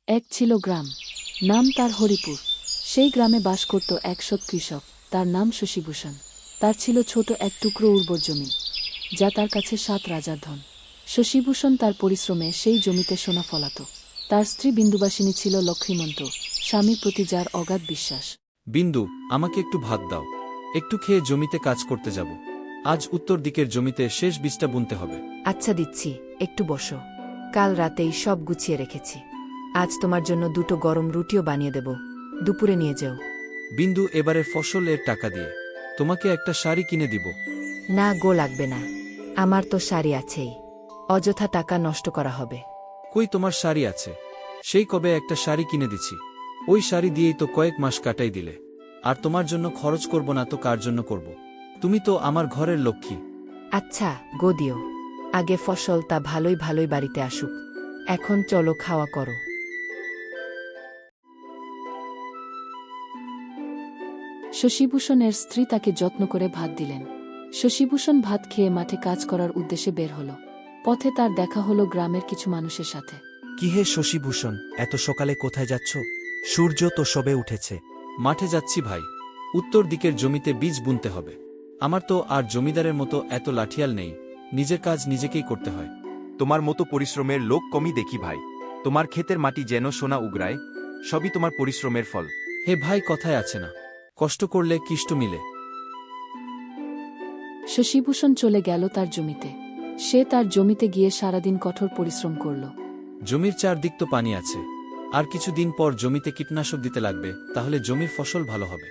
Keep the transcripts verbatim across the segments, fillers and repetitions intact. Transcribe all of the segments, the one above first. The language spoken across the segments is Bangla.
এক ছিল গ্রাম, নাম তার হরিপুর। সেই গ্রামে বাস করত এক সৎ কৃষক, তার নাম শশীভূষণ। তার ছিল ছোট এক টুকরো উর্বর জমি, যা তার কাছে সাত রাজার ধন। শশীভূষণ তার পরিশ্রমে সেই জমিতে সোনা ফলাত। তার স্ত্রী বিন্দুবাসিনী ছিল লক্ষ্মীমন্ত, স্বামীর প্রতি যার অগাধ বিশ্বাস। বিন্দু, আমাকে একটু ভাত দাও, একটু খেয়ে জমিতে কাজ করতে যাব। আজ উত্তর দিকের জমিতে শেষ বীজটা বুনতে হবে। আচ্ছা দিচ্ছি, একটু বসো। কাল রাতেই সব গুছিয়ে রেখেছি। আজ তোমার জন্য দুটো গরম রুটিও বানিয়ে দেব, দুপুরে নিয়ে যাও। বিন্দু, এবারের ফসল এর টাকা দিয়ে তোমাকে একটা শাড়ি কিনে দিব। না গো, লাগবে না, আমার তো শাড়ি আছেই। অযথা টাকা নষ্ট করা হবে। কই তোমার শাড়ি আছে? সেই কবে একটা শাড়ি কিনে দিছি, ওই শাড়ি দিয়েই তো কয়েক মাস কাটাই দিলে। আর তোমার জন্য খরচ করব না তো কার জন্য করব? তুমি তো আমার ঘরের লক্ষ্মী। আচ্ছা গো, দিও। আগে ফসল তা ভালোই ভালোই বাড়িতে আসুক। এখন চলো খাওয়া করো। শশীভূষণের স্ত্রী তাকে যত্ন করে ভাত দিলেন। শশীভূষণ ভাত খেয়ে মাঠে কাজ করার উদ্দেশ্যে বের হল। পথে তার দেখা হলো গ্রামের কিছু মানুষের সাথে। কি হে শশীভূষণ, এত সকালে কোথায় যাচ্ছ? সূর্য তো সবে উঠেছে। মাঠে যাচ্ছি ভাই, উত্তর দিকের জমিতে বীজ বুনতে হবে। আমার তো আর জমিদারের মতো এত লাঠিয়াল নেই, নিজের কাজ নিজেকেই করতে হয়। তোমার মতো পরিশ্রমের লোক কমই দেখি ভাই। তোমার ক্ষেতের মাটি যেন সোনা উগরায়, সবই তোমার পরিশ্রমের ফল। হে ভাই, কথায় আছে না, কষ্ট করলে কিষ্ট মিলে। শশীভূষণ চলে গেল তার জমিতে। সে তার জমিতে গিয়ে সারাদিন কঠোর পরিশ্রম করল। জমির চারদিক তো পানি আছে, আর কিছুদিন পর জমিতে কীটনাশক দিতে লাগবে, তাহলে জমির ফসল ভালো হবে।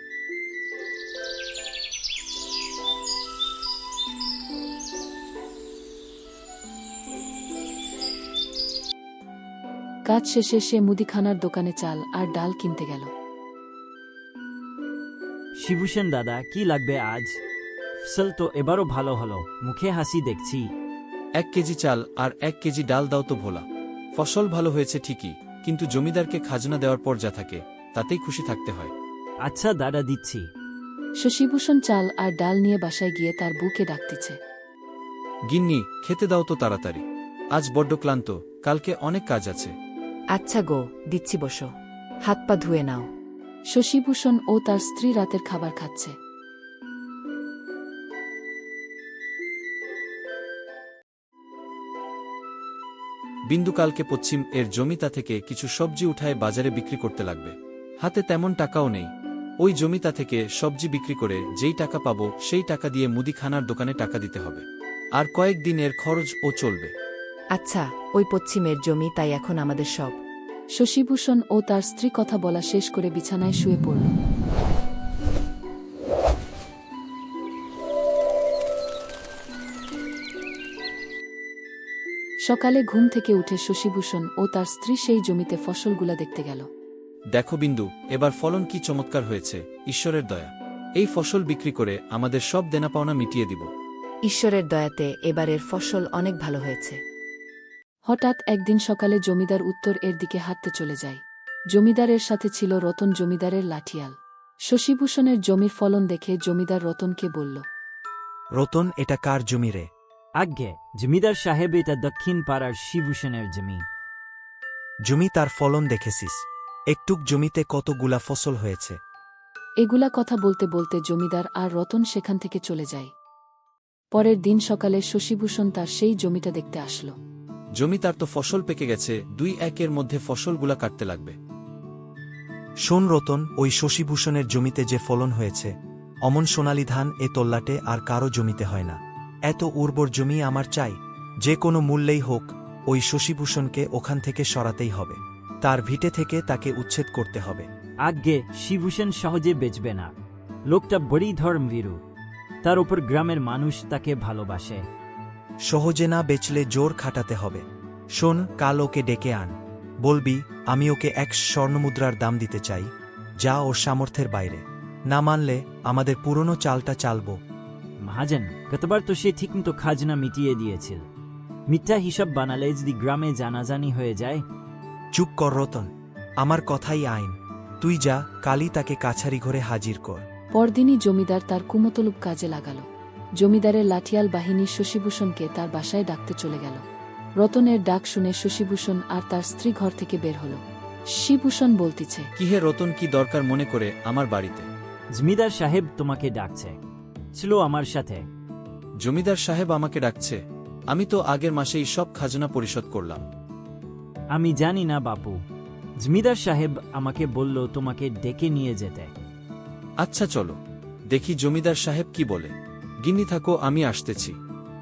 কাজ শেষে সে মুদিখানার দোকানে চাল আর ডাল কিনতে গেল। শিবুসেন দাদা, কি লাগবে আজ? ফসল তো এবারও ভালো হলো, মুখে হাসি দেখছি। এক কেজি চাল আর এক কেজি ডাল দাও তো ভোলা। ফসল ভালো হয়েছে ঠিকই, কিন্তু জমিদারকে খাজনা দেওয়ার পর যা থাকে তাতেই খুশি থাকতে হয়। আচ্ছা দাদা, দিচ্ছি। শশীভূষণ চাল আর ডাল নিয়ে বাসায় গিয়ে তার বুকে ডাকতেছে। গিন্নি, খেতে দাও তো তাড়াতাড়ি, আজ বড্ড ক্লান্ত, কালকে অনেক কাজ আছে। আচ্ছা গো, দিচ্ছি, বসো। হাত পা ধুয়ে নাও। শশীভূষণ ও তার স্ত্রী রাতের খাবার খাচ্ছে। বিন্দু কালকে পশ্চিম এর জমিতা থেকে কিছু সবজি উঠায় বাজারে বিক্রি করতে লাগবে। হাতে তেমন টাকাও নেই। ওই জমিতা থেকে সবজি বিক্রি করে যেই টাকা পাবো সেই টাকা দিয়ে মুদিখানার দোকানে টাকা দিতে হবে, আর কয়েকদিন এর খরচ ও চলবে। আচ্ছা, ওই পশ্চিমের জমি তাই এখন আমাদের সব। শশীভূষণ ও তার স্ত্রী কথা বলা শেষ করে বিছানায় শুয়ে পড়ল। সকালে ঘুম থেকে উঠে শশীভূষণ ও তার স্ত্রী সেই জমিতে ফসলগুলা দেখতে গেল। দেখো বিন্দু, এবার ফলন কি চমৎকার হয়েছে, ঈশ্বরের দয়া। এই ফসল বিক্রি করে আমাদের সব দেনা পাওনা মিটিয়ে দিব। ঈশ্বরের দয়াতে এবারের ফসল অনেক ভালো হয়েছে। হঠাৎ একদিন সকালে জমিদার উত্তর এর দিকে হাঁটতে চলে যায়। জমিদারের সাথে ছিল রতন, জমিদারের লাঠিয়াল। শশীভূষণের জমির ফলন দেখে জমিদার রতনকে বলল, রতন, এটা কার জমি রে? আজ্ঞে জমিদার সাহেব, এটা দক্ষিণ পাড়ার শিবুসেনের জমি। জমি তার ফলন দেখেছিস? একটুক জমিতে কতগুলা ফসল হয়েছে। এগুলা কথা বলতে বলতে জমিদার আর রতন সেখান থেকে চলে যায়। পরের দিন সকালে শশীভূষণ তার সেই জমিটা দেখতে আসলো। জমি তার তো ফসল পেকে গেছে, দুই একের মধ্যে ফসলগুলা কাটতে লাগবে। শোন রতন, ওই শশীভূষণের জমিতে যে ফলন হয়েছে, অমন সোনালী ধান এ তল্লাটে আর কারো জমিতে হয় না। এত উর্বর জমি আমার চাই, যে কোনো মূল্যেই হোক ওই শশীভূষণকে ওখান থেকে সরাতেই হবে। তার ভিটে থেকে তাকে উচ্ছেদ করতে হবে। আজ্ঞে শিবুসেন সহজে বেচবে না, লোকটা বড়ই ধর্মভীরু, তার উপর গ্রামের মানুষ তাকে ভালোবাসে। সহজে না বেচলে জোর খাটাতে হবে। শোন, কাল ওকে ডেকে আন, বলবি আমি ওকে এক স্বর্ণমুদ্রার দাম দিতে চাই, যা ওর সামর্থ্যের বাইরে। না মানলে আমাদের পুরনো চালটা চালব। মহাজন, গতবার তো সে ঠিকমতো খাজনা মিটিয়ে দিয়েছিল। মিথ্যা হিসাব বানালে যদি গ্রামে জানাজানি হয়ে যায়। চুপ কর রতন, আমার কথাই আইন। তুই যা, কালই তাকে কাছারি ঘরে হাজির কর। পরদিনই জমিদার তার কুমতলুপ কাজে লাগাল। জমিদারের লাঠিয়াল বাহিনী শশীভূষণকে তার বাসায় ডাকতে চলে গেল। রতনের ডাক শুনে শশীভূষণ আর তার স্ত্রী ঘর থেকে বের হল। শিবভূষণ বলতিছে। কি হে রতন, কি দরকার মনে করে আমার বাড়িতে? জমিদার সাহেব তোমাকে ডাকছে, ছিল আমার সাথে। জমিদার সাহেব আমাকে ডাকছে? আমি তো আগের মাসেই সব খাজনা পরিশোধ করলাম। আমি জানি না বাপু, জমিদার সাহেব আমাকে বলল তোমাকে ডেকে নিয়ে যেতে। আচ্ছা চলো, দেখি জমিদার সাহেব কি বলে। গিন্নি থাকো, আমি আসতেছি।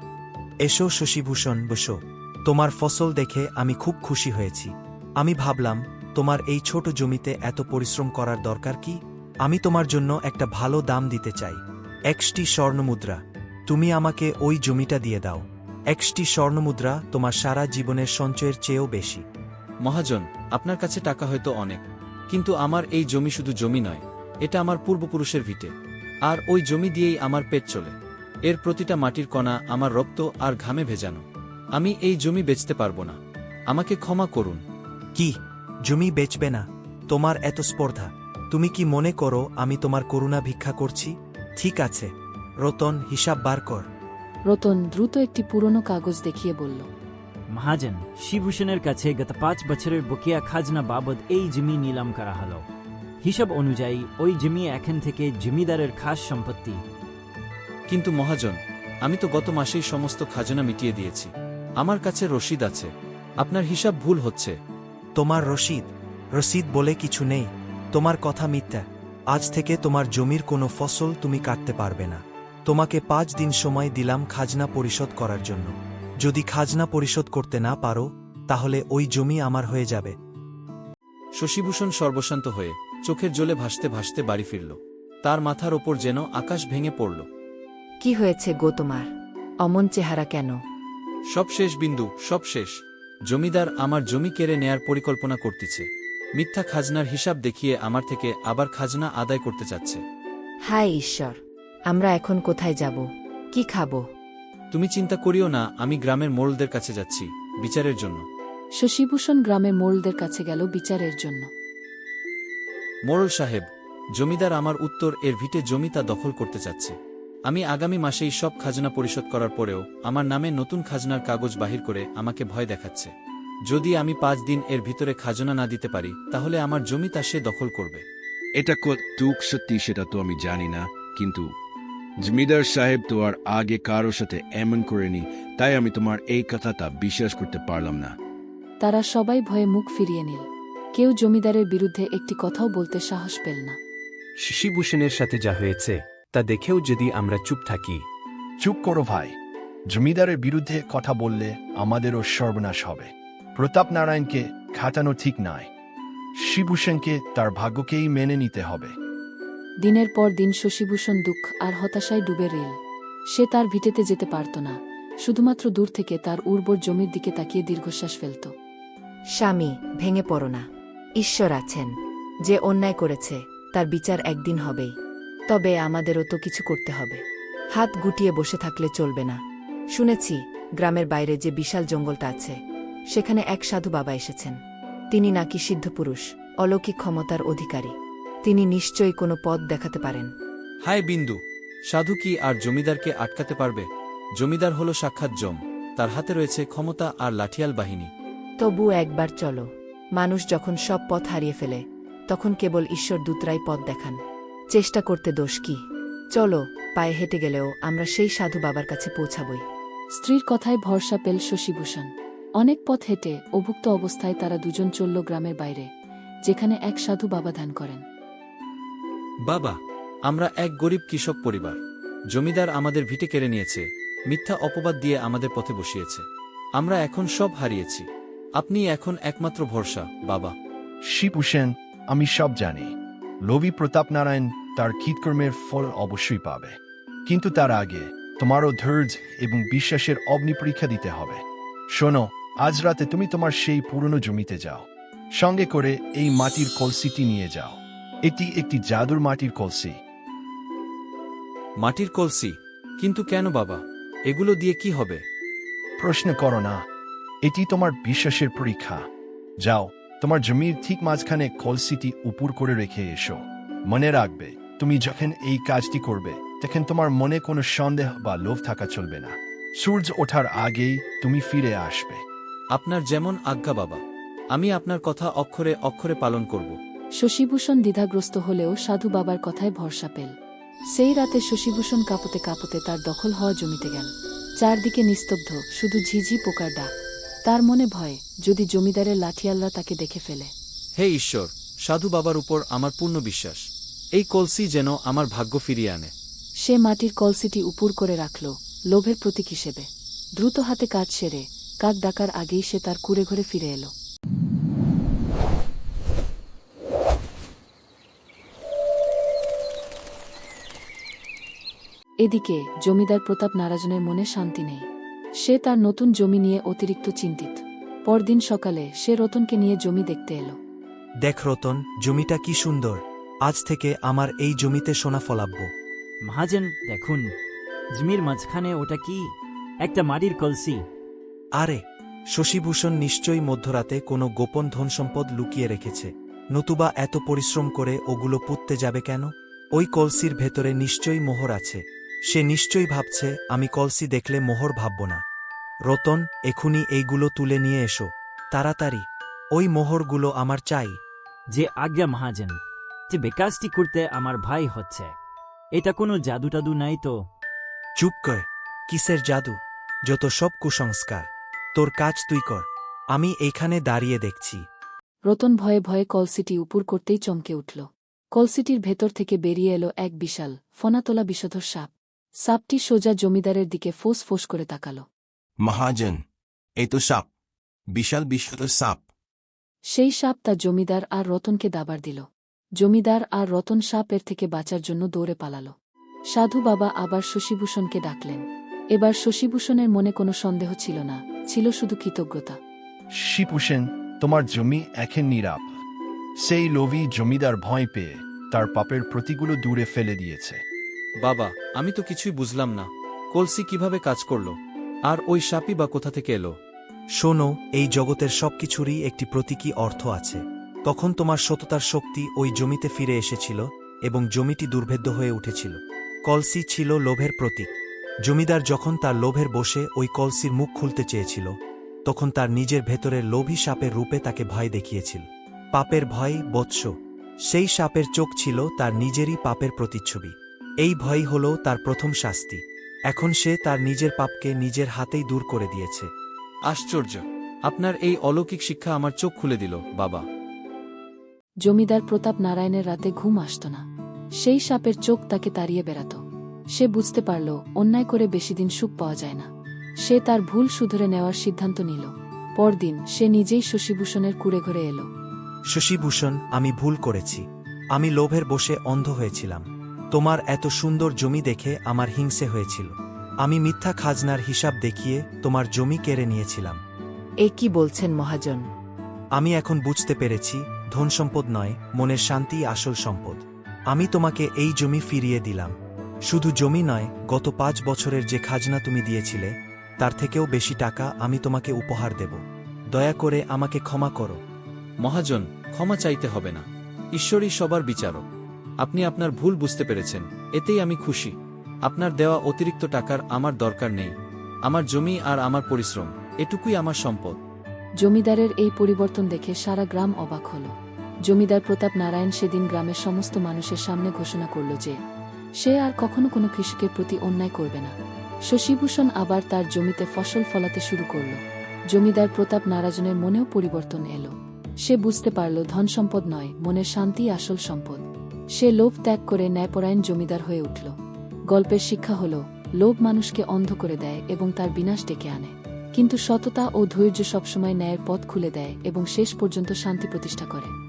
এসো শশীভূষণ, বসো। তোমার ফসল দেখে আমি খুব খুশি হয়েছি। আমি ভাবলাম তোমার এই ছোট জমিতে এত পরিশ্রম করার দরকার কি? আমি তোমার জন্য একটা ভালো দাম দিতে চাই। একটি স্বর্ণমুদ্রা। তুমি আমাকে ওই জমিটা দিয়ে দাও। একটি স্বর্ণমুদ্রা তোমার সারা জীবনের সঞ্চয়ের চেয়েও বেশি। মহাজন, আপনার কাছে টাকা হয়তো অনেক, কিন্তু আমার এই জমি শুধু জমি নয়, এটা আমার পূর্বপুরুষের ভিটে। আর ওই জমি দিয়েই আমার পেট চলে। এর প্রতিটা মাটির কণা আমার রক্ত আর ঘামে ভেজানো। আমি এই জমি বেচতে পারবো না, আমাকে ক্ষমা করুন। কি, জমি বেচবে না? তোমার এত স্পর্ধা! তুমি কি মনে করো আমি তোমার করুণা ভিক্ষা করছি? ঠিক আছে রতন, হিসাব বার কর। রতন দ্রুত একটি পুরনো কাগজ দেখিয়ে বলল। মহাজন, শিবভূষণের কাছে গত পাঁচ বছরের বকেয়া খাজনা বাবদ এই জমি নিলাম করা হলো। হিসাব অনুযায়ী ওই জমি এখন থেকে জমিদারের খাস সম্পত্তি। কিন্তু মহাজন, আমি তো গত মাসেই সমস্ত খাজনা মিটিয়ে দিয়েছি। আমার কাছে রসিদ আছে। আপনার হিসাব ভুল হচ্ছে। তোমার রসিদ রসিদ বলে কিছু নেই। তোমার কথা মিথ্যা। আজ থেকে তোমার জমির কোনো ফসল তুমি কাটতে পারবে না। তোমাকে পাঁচ দিন সময় দিলাম খাজনা পরিশোধ করার জন্য। যদি খাজনা পরিশোধ করতে না পারো তাহলে ওই জমি আমার হয়ে যাবে। শশীভূষণ সর্বশান্ত হয়ে চোখের জলে ভাসতে ভাসতে বাড়ি ফিরল। তার মাথার ওপর যেন আকাশ ভেঙে পড়ল। কি হয়েছে গো তোমার? অমন চেহারা কেন? সব শেষ বিন্দু, সব শেষ। জমিদার আমার জমি কেড়ে নেয়ার পরিকল্পনা করতেছে। মিথ্যা খাজনার হিসাব দেখিয়ে আমার থেকে আবার খাজনা আদায় করতে চাচ্ছে। হায় ঈশ্বর, আমরা এখন কোথায় যাব? কি খাবো? তুমি চিন্তা করিও না, আমি গ্রামের মোড়লদের কাছে যাচ্ছি বিচারের জন্য। শশীভূষণ গ্রামের মোড়লদের কাছে গেল বিচারের জন্য। মোড়ল সাহেব, জমিদার আমার উত্তর এর ভিটে জমি তা দখল করতে চাচ্ছে। আমি আগামী মাসেই সব খাজনা পরিশোধ করার পরেও আমার নামে নতুন খাজনার কাগজ বাহির করে আমাকে ভয় দেখাচ্ছে। যদি আমি পাঁচ দিন এর ভিতরে খাজনা না দিতে পারি তাহলে আমার জমি তা সে দখল করবে। এটা কতটুক সত্যি সেটা তো আমি জানি না, কিন্তু জমিদার সাহেব তো আর আগে কারোর সাথে এমন করেনি, তাই আমি তোমার এই কথাটা বিশ্বাস করতে পারলাম না। তারা সবাই ভয়ে মুখ ফিরিয়ে নিল। কেউ জমিদারের বিরুদ্ধে একটি কথাও বলতে সাহস পেল না। শশীভূষণের সাথে যা হয়েছে তা দেখেও যদি আমরা চুপ থাকি। চুপ করো ভাই। জমিদারের বিরুদ্ধে কথা বললে আমাদেরও সর্বনাশ হবে। প্রতাপ নারায়ণকে খাটানো ঠিক নয়। শিবভূষণকে তার ভাগ্যকেই মেনে নিতে হবে। দিনের পর দিন শশীভূষণ দুঃখ আর হতাশায় ডুবে রইল। সে তার ভিটেতে যেতে পারত না, শুধুমাত্র দূর থেকে তার উর্বর জমির দিকে তাকিয়ে দীর্ঘশ্বাস ফেলত। স্বামী, ভেঙে পড়ো না। ঈশ্বর আছেন। যে অন্যায় করেছে তার বিচার একদিন হবেই। তবে আমাদেরও তো কিছু করতে হবে। হাত গুটিয়ে বসে থাকলে চলবে না। শুনেছি গ্রামের বাইরে যে বিশাল জঙ্গলটা আছে সেখানে এক সাধু বাবা এসেছেন। তিনি নাকি সিদ্ধপুরুষ, অলৌকিক ক্ষমতার অধিকারী। তিনি নিশ্চয়ই কোনো পথ দেখাতে পারেন। হায় বিন্দু, সাধু কি আর জমিদারকে আটকাতে পারবে? জমিদার হল সাক্ষাৎ যম, তার হাতে রয়েছে ক্ষমতা আর লাঠিয়াল বাহিনী। তবু একবার চলো। মানুষ যখন সব পথ হারিয়ে ফেলে তখন কেবল ঈশ্বর দূতরাই পথ দেখান। চেষ্টা করতে দোষ কি? চলো, পায়ে হেঁটে গেলেও আমরা সেই সাধু বাবার কাছে পৌঁছাবই। স্ত্রীর কথায় ভরসা পেল শশীভূষণ। অনেক পথ হেঁটে অভুক্ত অবস্থায় তারা দুজন চলল গ্রামের বাইরে, যেখানে এক সাধু বাবা ধ্যান করেন। বাবা, আমরা এক গরিব কৃষক পরিবার। জমিদার আমাদের ভিটে কেড়ে নিয়েছে, মিথ্যা অপবাদ দিয়ে আমাদের পথে বসিয়েছে। আমরা এখন সব হারিয়েছি। আপনি এখন একমাত্র ভরসা বাবা। শিবভূষণ, আমি সব জানি। লোভী প্রতাপ নারায়ণ তার কৃতকর্মের ফল অবশ্যই পাবে, কিন্তু তার আগে তোমারও ধৈর্য এবং বিশ্বাসের অগ্নি পরীক্ষা দিতে হবে। শোনো, আজ রাতে তুমি তোমার সেই পুরনো জমিতে যাও। সঙ্গে করে এই মাটির কলসিটি নিয়ে যাও। এটি একটি জাদুর মাটির কলসি। মাটির কলসি? কিন্তু কেন বাবা? এগুলো দিয়ে কি হবে? প্রশ্ন করো না। এটি তোমার বিশ্বাসের পরীক্ষা। যাও, তোমার জমির ঠিক মাঝখানে কলসিটি উপর করে রেখে এসো। মনে রাখবে, তুমি যখন এই কাজটি করবে তখন তোমার মনে কোনো সন্দেহ বা লোভ থাকা চলবে না। সূর্য ওঠার আগেই তুমি ফিরে আসবে। আপনার যেমন আজ্ঞা বাবা। আমি আপনার কথা অক্ষরে অক্ষরে পালন করব। শশীভূষণ দ্বিধাগ্রস্ত হলেও সাধু বাবার কথায় ভরসা পেল। সেই রাতে শশীভূষণ কাঁপতে কাঁপতে তার দখল হওয়া জমিতে গেল। চারদিকে নিস্তব্ধ, শুধু ঝিঝি পোকার ডাক। তার মনে ভয়, যদি জমিদারের লাঠিয়ালরা তাকে দেখে ফেলে। হে ঈশ্বর, সাধু বাবার উপর আমার পূর্ণ বিশ্বাস। এই কলসি যেন আমার ভাগ্য ফিরিয়ে আনে। সে মাটির কলসিটি উপুর করে রাখল, লোভের প্রতীক হিসেবে। দ্রুত হাতে কাজ সেরে কাক ডাকার আগেই সে তার কুঁড়ে ঘরে ফিরে এলো। এদিকে জমিদার প্রতাপ নারায়ণের মনে শান্তি নেই। সে তার নতুন জমি নিয়ে অতিরিক্ত চিন্তিত। পরদিন সকালে সে রতনকে নিয়ে জমি দেখতে এলো। দেখ রতন, জমিটা কি সুন্দর। আজ থেকে আমার এই জমিতে সোনা ফলাবো। মহাজন দেখুন, জমির মাঝখানে ওটা কি? একটা মাটির কলসি। আরে, শশীভূষণ নিশ্চয়ই মধ্যরাতে কোনো গোপন ধনসম্পদ লুকিয়ে রেখেছে, নতুবা এত পরিশ্রম করে ওগুলো পুঁততে যাবে কেন? ওই কলসির ভেতরে নিশ্চয়ই মোহর আছে। সে নিশ্চয়ই ভাবছে আমি কলসি দেখলে মোহর ভাবব না। রতন, এখুনি এইগুলো তুলে নিয়ে এসো, তাড়াতাড়ি। ওই মোহরগুলো আমার চাই। যে আজ্ঞা মহাজন। যে বেকাজটি করতে আমার ভাই হচ্ছে, এটা কোনো জাদু টাদু নাই তো? চুপ কর। কিসের জাদু? যত সব কুসংস্কার। তোর কাজ তুই কর, আমি এইখানে দাঁড়িয়ে দেখছি। রতন ভয়ে ভয়ে কলসিটি উপুর করতেই চমকে উঠল। কলসিটির ভেতর থেকে বেরিয়ে এলো এক বিশাল ফনাতোলা বিষধর সাপ। সাপটি সোজা জমিদারের দিকে ফোঁস ফোঁস করে তাকাল। মহাজন, এই তো সাপ, বিশাল বিষধর সাপ। সেই সাপ তা জমিদার আর রতনকে দাবার দিল। জমিদার আর রতন সাপের থেকে বাঁচার জন্য দৌড়ে পালাল। সাধু বাবা আবার শশীভূষণকে ডাকলেন। এবার শশীভূষণের মনে কোনো সন্দেহ ছিল না, ছিল শুধু কৃতজ্ঞতা। শিপুষেন, তোমার জমি এখন নীরব। সেই লোভী জমিদার ভয় পেয়ে তার পাপের প্রতিগুলো দূরে ফেলে দিয়েছে। বাবা, আমি তো কিছুই বুঝলাম না, কলসি কিভাবে কাজ করল, আর ওই সাপই বা কোথা থেকে এলো? শোনো, এই জগতের সবকিছুরই একটি প্রতীকী অর্থ আছে। তখন তোমার সততার শক্তি ওই জমিতে ফিরে এসেছিল এবং জমিটি দুর্ভেদ্য হয়ে উঠেছিল। কলসি ছিল লোভের প্রতীক। জমিদার যখন তার লোভের বসে ওই কলসির মুখ খুলতে চেয়েছিল, তখন তার নিজের ভেতরের লোভী সাপের রূপে তাকে ভয় দেখিয়েছিল। পাপের ভয়, বৎস। সেই সাপের চোখ ছিল তার নিজেরই পাপের প্রতিচ্ছবি। এই ভয়ই হল তার প্রথম শাস্তি। এখন সে তার নিজের পাপকে নিজের হাতেই দূর করে দিয়েছে। আশ্চর্য! আপনার এই অলৌকিক শিক্ষা আমার চোখ খুলে দিল, বাবা। জমিদার প্রতাপ নারায়ণের রাতে ঘুম আসত না। সেই সাপের চোখ তাকে তাড়িয়ে বেড়াত। সে বুঝতে পারল, অন্যায় করে বেশিদিন সুখ পাওয়া যায় না। সে তার ভুল শুধরে নেওয়ার সিদ্ধান্ত নিল। পরদিন সে নিজেই শশীভূষণের কুঁড়ে ঘরে এলো। শশীভূষণ, আমি ভুল করেছি। আমি লোভের বসে অন্ধ হয়েছিলাম। তোমার এত সুন্দর জমি দেখে আমার হিংসে হয়েছিল। আমি মিথ্যা খাজনার হিসাব দেখিয়ে তোমার জমি কেড়ে নিয়েছিলাম। এ কি বলছেন মহাজন? আমি এখন বুঝতে পেরেছি, ধনসম্পদ নয়, মনের শান্তিই আসল সম্পদ। আমি তোমাকে এই জমি ফিরিয়ে দিলাম। শুধু জমি নয়, গত পাঁচ বছরের যে খাজনা তুমি দিয়েছিলে, তার থেকেও বেশি টাকা আমি তোমাকে উপহার দেব। দয়া করে আমাকে ক্ষমা করো। মহাজন, ক্ষমা চাইতে হবে না। ঈশ্বরই সবার বিচারক। আপনি আপনার ভুল বুঝতে পেরেছেন, এতেই আমি খুশি। আপনার দেওয়া অতিরিক্ত টাকার আমার দরকার নেই। আমার জমি আর আমার পরিশ্রম, এটুকুই আমার সম্পদ। জমিদারের এই পরিবর্তন দেখে সারা গ্রাম অবাক হল। জমিদার প্রতাপ নারায়ণ সেদিন গ্রামের সমস্ত মানুষের সামনে ঘোষণা করল যে সে আর কখনো কোনো কৃষকের প্রতি অন্যায় করবে না। শশীভূষণ আবার তার জমিতে ফসল ফলাতে শুরু করল। জমিদার প্রতাপ নারায়ণের মনেও পরিবর্তন এলো। সে বুঝতে পারল, ধন সম্পদ নয়, মনের শান্তি আসল সম্পদ। সে লোভ ত্যাগ করে ন্যায়পরায়ণ জমিদার হয়ে উঠল। গল্পের শিক্ষা হল, লোভ মানুষকে অন্ধ করে দেয় এবং তার বিনাশ ডেকে আনে, কিন্তু সততা ও ধৈর্য সবসময় ন্যায়ের পথ খুলে দেয় এবং শেষ পর্যন্ত শান্তি প্রতিষ্ঠা করে।